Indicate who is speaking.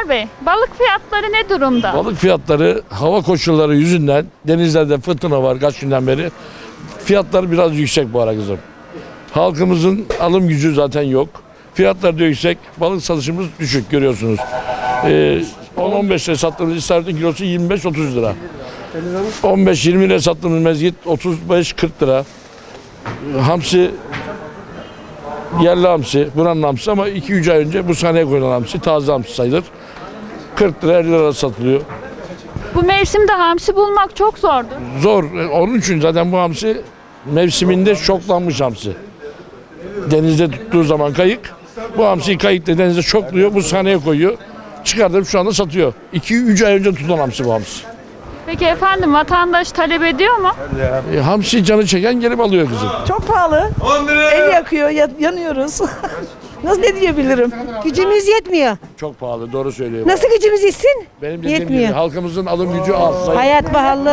Speaker 1: Muhtar Bey, balık fiyatları ne durumda?
Speaker 2: Balık fiyatları hava koşulları yüzünden denizlerde fırtına var kaç günden beri. Fiyatlar biraz yüksek bu ara kızım. Halkımızın alım gücü zaten yok. Fiyatlar da yüksek. Balık satışımız düşük görüyorsunuz. 10-15 lira sattığımız istavritin kilosu 25-30 lira. 15-20 lira sattığımız mezgit 35-40 lira. Hamsi yerli hamsi, buranın hamsi ama 2-3 ay önce bu sahneye koyulan hamsi, taze hamsi sayılır. 40 lira 50 lira satılıyor.
Speaker 1: Bu mevsimde hamsi bulmak çok zordu.
Speaker 2: Zor. Onun için zaten bu hamsi mevsiminde şoklanmış hamsi. Denizde tuttuğu zaman kayık. Bu hamsiyi kayıkla denizde şokluyor. Bu sahneye koyuyor. Çıkartıp şu anda satıyor. 2-3 ay önce tutulan hamsi bu hamsi.
Speaker 1: Peki efendim vatandaş talep ediyor mu?
Speaker 2: Hamsi canı çeken gelip alıyor kızım.
Speaker 3: Çok pahalı. El yakıyor, yanıyoruz. Nasıl ne diyebilirim?
Speaker 4: Gücümüz yetmiyor.
Speaker 2: Çok pahalı doğru söylüyor.
Speaker 4: Nasıl gücümüz yetsin?
Speaker 2: Benim dediğim
Speaker 4: Yetmiyor.
Speaker 2: gibi halkımızın alım gücü az. Zayıf.
Speaker 4: Hayat pahalı.